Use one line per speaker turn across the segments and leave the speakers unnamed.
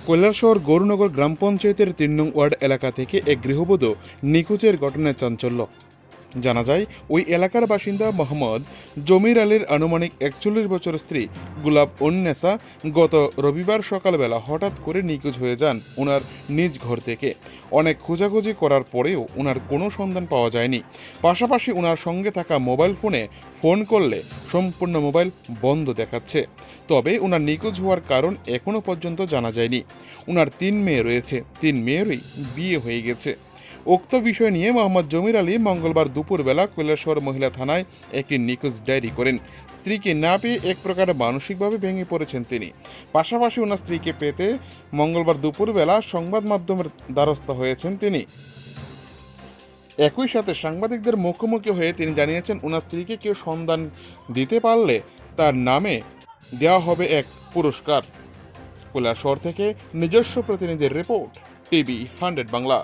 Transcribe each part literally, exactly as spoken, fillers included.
কৈলাসহর গৌরনগর গ্রাম পঞ্চায়েতের তিন নং ওয়ার্ড এলাকা থেকে এক গৃহবধূ নিখোঁজের ঘটনায় চাঞ্চল্য। জানা যায়, ওই এলাকার বাসিন্দা মোহাম্মদ জমির আলীর আনুমানিক একচল্লিশ বছর স্ত্রী গুলাব উন্নেসা গত রবিবার সকালবেলা হঠাৎ করে নিখোঁজ হয়ে যান ওনার নিজ ঘর থেকে। অনেক খোঁজাখুঁজি করার পরেও ওনার কোনো সন্ধান পাওয়া যায়নি। পাশাপাশি ওনার সঙ্গে থাকা মোবাইল ফোনে ফোন করলে সম্পূর্ণ মোবাইল বন্ধ দেখাচ্ছে। তবে ওনার নিখোঁজ হওয়ার কারণ এখনও পর্যন্ত জানা যায়নি। ওনার তিন মেয়ে রয়েছে, তিন মেয়েরই বিয়ে হয়ে গেছে। উক্ত বিষয় নিয়ে মোহাম্মদ জমির আলী মঙ্গলবার দুপুরবেলা কৈলাসহর মহিলা থানায় একটি নিখোঁজ ডায়েরি করেন। স্ত্রীকে না পেয়ে এক প্রকার মানসিকভাবে ভেঙে পড়েছেন তিনি। পাশাপাশি ওনার স্ত্রীকে পেতে মঙ্গলবার দুপুরবেলা সংবাদ মাধ্যমের দ্বারস্থ হয়েছেন তিনি। একই সাথে সাংবাদিকদের মুখোমুখি হয়ে তিনি জানিয়েছেন, ওনার স্ত্রীকে কেউ সন্ধান দিতে পারলে তার নামে দেওয়া হবে এক পুরস্কার। কৈলাসহর থেকে নিজস্ব প্রতিনিধির রিপোর্ট, টিভি হান্ড্রেড বাংলা।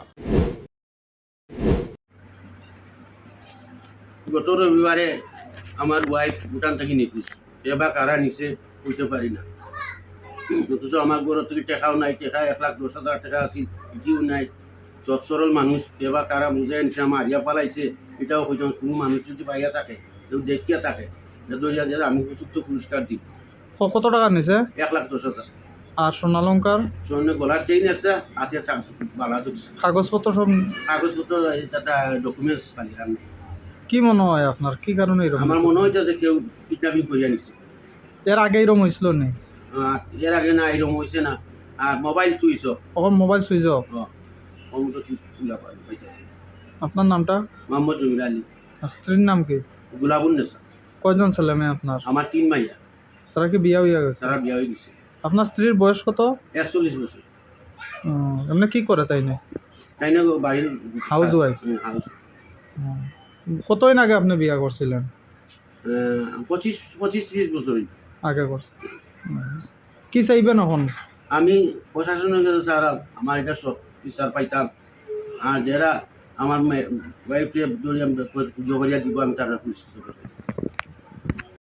গত রবিবারে আমার ওয়াইফ ভুটান থেকে নিখোঁজ। এবার কারা নিচে বুঝতে পারি না। অথচ আমার ঘর থেকে টেকাও নাই, টেকা এক লাখ দশ হাজার টাকা আছে, এটিও নাই। সৎ সরল মানুষ এবার কারা বুঝে নিছে, মারিয়া পালাইছে, এটাও হয়তো কোনো মানুষ যদি পাইয়া থাকে, কেউ দেখিয়া থাকে, দরিয়া দিয়ে আমি উপযুক্ত পুরস্কার দিব।
কত টাকা নিছে?
এক লাখ দশ হাজার।
আর সোনালঙ্কার
সোনে গলার চেইন আছে, হাতে বালা ধরছে,
কাগজপত্র সব?
কাগজপত্র ডকুমেন্টস খালি আর নেই।
কি মনে হয় আপনার, কি কারণে এরকম?
আমার মনে হইতেছে কেউ কিডন্যাপিং করিয়া নিছে।
এর আগে এরকম হয়েছিল নি?
আর এর আগে না এরকম হয়েছে না। আর মোবাইল চুইছ,
ওর মোবাইল সুইচ অফ।
অমতো চুইস খুলা পাইতেছে।
আপনার নামটা?
মোহাম্মদ জমির আলী।
আর স্ত্রীর নাম কি?
গুলাবুন্নেসা।
কয়জন ছেলে মেয়ে আপনার?
আমার তিন মাইয়া,
তারা কি বিয়ে হয়ে গেছে?
তারা বিয়া হয়ে গেছে।
আপনার স্ত্রীর বয়স কত?
একচল্লিশ বছর।
উম, এমনি কি করে তাই না?
তাই না বাড়ির
হাউস ওয়াইফ।
হাউস।
কতদিন আগে আপনি বিয়ে করছিলেন?
পঁচিশ পঁচিশ ত্রিশ বছরই
আগে করছেন। কি চাইবেন এখন?
আমি প্রশাসনের কাছে স্যার আমার এটা সব বিচার পাইতাম। আর যারা আমার ওয়াইফকে জড়িয়ে জগরিয়া দিব, আমি তারা পুরস্কৃত করবো।